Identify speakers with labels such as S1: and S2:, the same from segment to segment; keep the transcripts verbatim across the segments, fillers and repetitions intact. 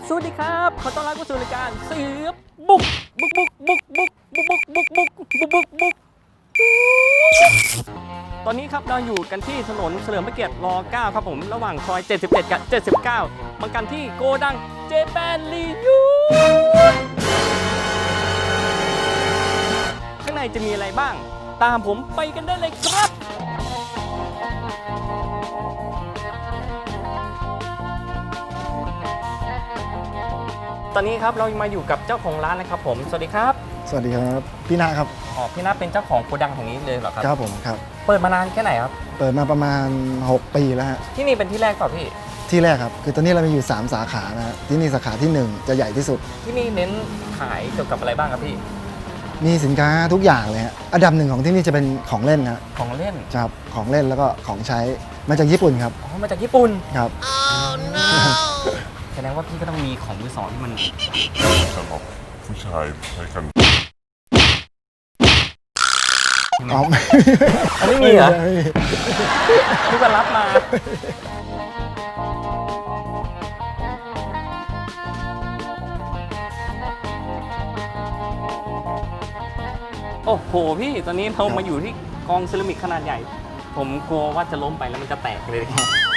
S1: สวัสดีครับขอต้อนรับเข้าสู่รายการเสือบุกบุกบุกบุกบุกบุกบุกบุกบุกบุกบุกบุกตอนนี้ครับเราอยู่กันที่ถนนเฉลิมพระเกียรติรเก้าครับผมระหว่างซอยเจ็ดสิบเจ็ดกับเจ็ดสิบเก้ามากันที่โกดังเจแปนรียูข้างในจะมีอะไรบ้างตามผมไปกันได้เลยครับตอนนี้ครับเรามาอยู่กับเจ้าของร้านนะครับผมสวัสดีครับ
S2: สวัสดีครับพี่นาครับ
S1: อ๋อพี่นาเป็นเจ้าของโกดังแห่งนี้เลยเหรอครับ
S2: ครับผมครับ
S1: เปิดมานานแค่ไหนครับ
S2: เปิดมาประมาณหกปีแล้วฮะ
S1: ที่นี่เป็นที่แรกเปล่าพี่
S2: ที่แรกครับคือตอนนี้เรามีอยู่สามสาขานะฮะที่นี่สาขาที่หนึ่งจะใหญ่ที่สุด
S1: ที่นี่เน้นขายเกี่ยวกับอะไรบ้างครับพี่
S2: มีสินค้าทุกอย่างเลยฮะอันดับหนึ่งของที่นี่จะเป็นของเล่นนะ
S1: ของเล่น
S2: ครับของเล่นแล้วก็ของใช้มาจากญี่ปุ่นครับ
S1: อ๋อมาจากญี่ปุ่น
S2: ครับ
S1: oh, no. แสดงว่าพี่ก็ต้องมีของมือสองที่มัน
S3: สำหรับผู้ชายใช้กัน
S2: อ๋อ
S1: ไม่มีเหรอพี่ก็รับมาโอ้โหพี่ตอนนี้เรามาอยู่ที่กองเซรามิกขนาดใหญ่ผมกลัวว่าจะล้มไปแล้วมันจะแตกเลย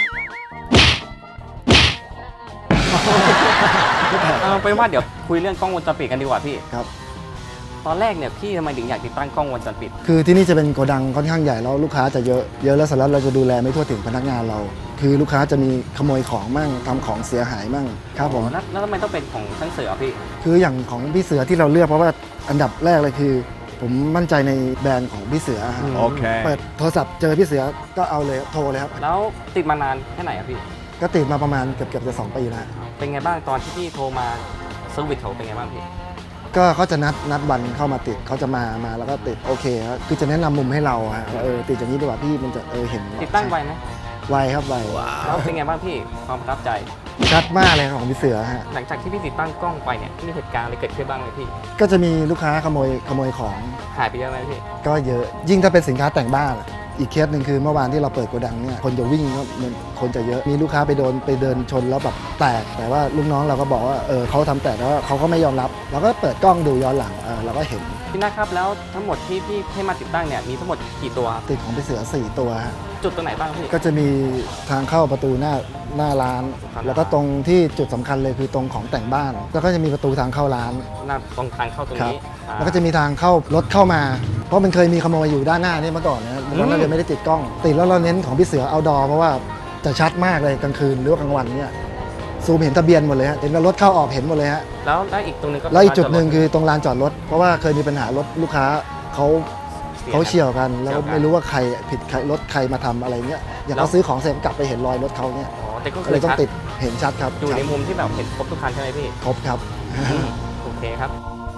S1: เอาเป็นว่าเดี๋ยวคุยเรื่องกล้องวงจรปิดกันดีกว่าพี่
S2: ครับ
S1: ตอนแรกเนี่ยพี่ทำไมถึงอยากติดตั้งกล้องวงจรปิด
S2: คือที่นี่จะเป็นโกดังค่อนข้างใหญ่แล้วลูกค้าจะเยอะเยอะแล้วสำหรับเราจะดูแลไม่ทั่วถึงพนักงานเราคือลูกค้าจะมีขโมยของมั่งทำของเสียหายมั่งครับผม
S1: แล้วทำไมต้องเป็นของช่างเสือพี่
S2: คืออย่างของพี่เสือที่เราเลือกเพราะว่าอันดับแรกเลยคือผมมั่นใจในแบรนด์ของพี่เสือ
S1: โอเค
S2: เปิดโทรศัพท์เจอพี่เสือก็เอาเลยโทรเลยครับ
S1: แล้วติดมานานแค่ไหนครับพี่
S2: ก็ติดมาประมาณเกือบเกือบจะสองปีแล้ว
S1: เป็นไงบ้างตอนที่พี่โทรมาเซอร์วิสเขาเป็นไงบ้างพี่
S2: ก็เขาจะนัดนัดวันเข้ามาติดเขาจะมามาแล้วก็ติดโอเคครับคือจะแนะนำมุมให้เราฮะเออติดอย่างนี้ดีกว่าพี่มันจะเออเห็น
S1: ติดตั้งไวไหม
S2: ไวครับไว
S1: แล้วเป็นไงบ้างพี่ความประทับใจ
S2: ชัดมากเลยของพี่เสือฮะ
S1: หลังจากที่พี่ติดตั้งกล้องไปเนี่ยมีเหตุการณ์อะไรเกิดขึ้นบ้างไหมพี่
S2: ก็จะมีลูกค้าขโมยขโมยของ
S1: หายไปเยอะไหมพี่
S2: ก็เยอะยิ่งถ้าเป็นสินค้าแต่งบ้านอีกเคสหนึ่งคือเมื่อวานที่เราเปิดโกดังเนี่ยคนจะวิ่งก็คนจะเยอะมีลูกค้าไปโดนไปเดินชนแล้วแบบแตกแต่ว่าลูกน้องเราก็บอกว่าเออเขาทำแตกแล้วเขาก็ไม่ยอมรับเราก็เปิดกล้องดูย้อนหลังเออเราก็เห็น
S1: พี่นะครับแล้วทั้งหมดที่พี่ให้มาติดตั้งเนี่ยมีทั้งหมดกี่ตัว
S2: ติดของพี่เสือสี่ตัว
S1: จุดตรงไหนบ้างพี่
S2: ก็จะมีทางเข้าประตูหน้าหน้าร้านแล้วก็ตรงที่จุดสำคัญเลยคือตรงของแต่งบ้านแล้วก็จะมีประตูทางเข้าร้าน
S1: หน้าตรงทางเข้าตรงนี้
S2: แล้วก็จะมีทางเข้ารถเข้ามาเพราะมันเคยมีขโมยอยู่ด้านหน้านี่เมื่อก่อนนะตอนนั้นเราไม่ได้ติดกล้องติดแล้วเราเน้นของพี่เสือเอาดอเพราะว่าจะชัดมากเลยกลางคืนหรือว่ากลางวันเนี่ยซูมเห็นทะเบียนหมดเลยฮะเห็นรถเข้าออกเห็นหมดเลยฮะ
S1: แล้วได้อีกตรงนึงก็
S2: แล้วอีกจุดหนึ่งคือตรงลานจอดรถเพราะว่าเคยมีปัญหารถลูกค้าเขาเขาเฉี่ยวกันแล้วไม่รู้ว่าใครผิดใครรถใครมาทำอะไรเงี้ยอย่างเราซื้อของเสร็จกลับไปเห็นรอยรถเขาเนี่ยเลยต้องติดเห็นชัดครับ
S1: อยู่ในมุมที่แบบเห็นครบทุกคันใช่ไหมพี่
S2: ครบครับ
S1: โอเคครับ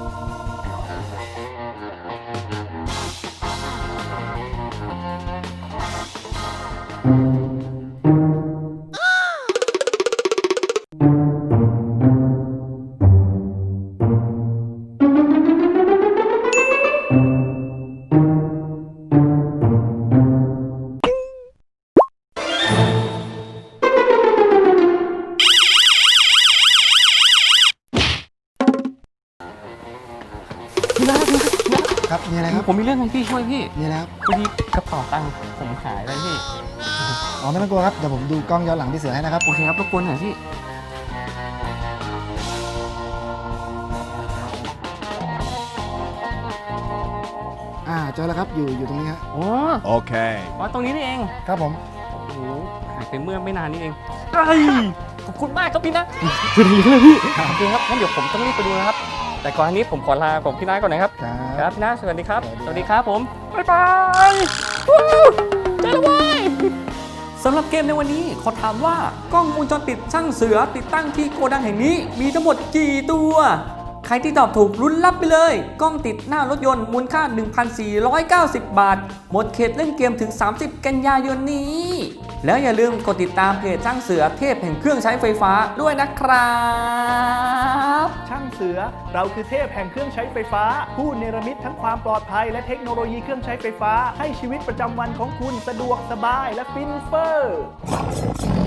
S2: ครับมีอะไรครับ
S1: ผมมีเรื่องให้พี่ช่วยพี่
S2: มีแล้ว
S1: พอดีกระเป๋าตังค์ผมหายไปพี่
S2: อ๋อไม่ต้องกลัวครับเดี๋ยวผมดูกล้องย้อนหลังพี่เสือให้นะครับ
S1: โอเคครับรบกวนหน่อยพี่
S2: อ่าเจอแล้วครับอยู่อยู่ตรงนี้ฮะ
S1: อ๋อ
S3: โอเค
S1: อ๋อตรงนี้นี่เอง
S2: ครับผม
S1: โอ้โหหายไปเมื่อไม่นานนี้เองขอบคุณมากครับพี่นะสวัสดีครับพี่โอเคครับงั้นเดี๋ยวผมต้องรีบไปดูนะครับแต่ก่อนนี้ผมขอลาผมพี่น้าก่อนนะครับครับพี่น้าสวัสดีครับสวัสดีครับผมบ๊ายบายเจอแล้วเว้ยสำหรับเกมในวันนี้ขอถามว่ากล้องวงจรปิดช่างเสือติดตั้งที่โกดังแห่งนี้มีทั้งหมดกี่ตัวใครที่ตอบถูกลุ้นรับไปเลยกล้องติดหน้ารถยนต์มูลค่า หนึ่งพันสี่ร้อยเก้าสิบ บาทหมดเขตเล่นเกมถึงสามสิบกันยายนนี้แล้วอย่าลืมกดติดตามเพจช่างเสือเทพแห่งเครื่องใช้ไฟฟ้าด้วยนะครับ
S4: ช่างเสือเราคือเทพแห่งเครื่องใช้ไฟฟ้าผู้เนรมิตทั้งความปลอดภัยและเทคโนโลยีเครื่องใช้ไฟฟ้าให้ชีวิตประจำวันของคุณสะดวกสบายและฟินเฟ้อ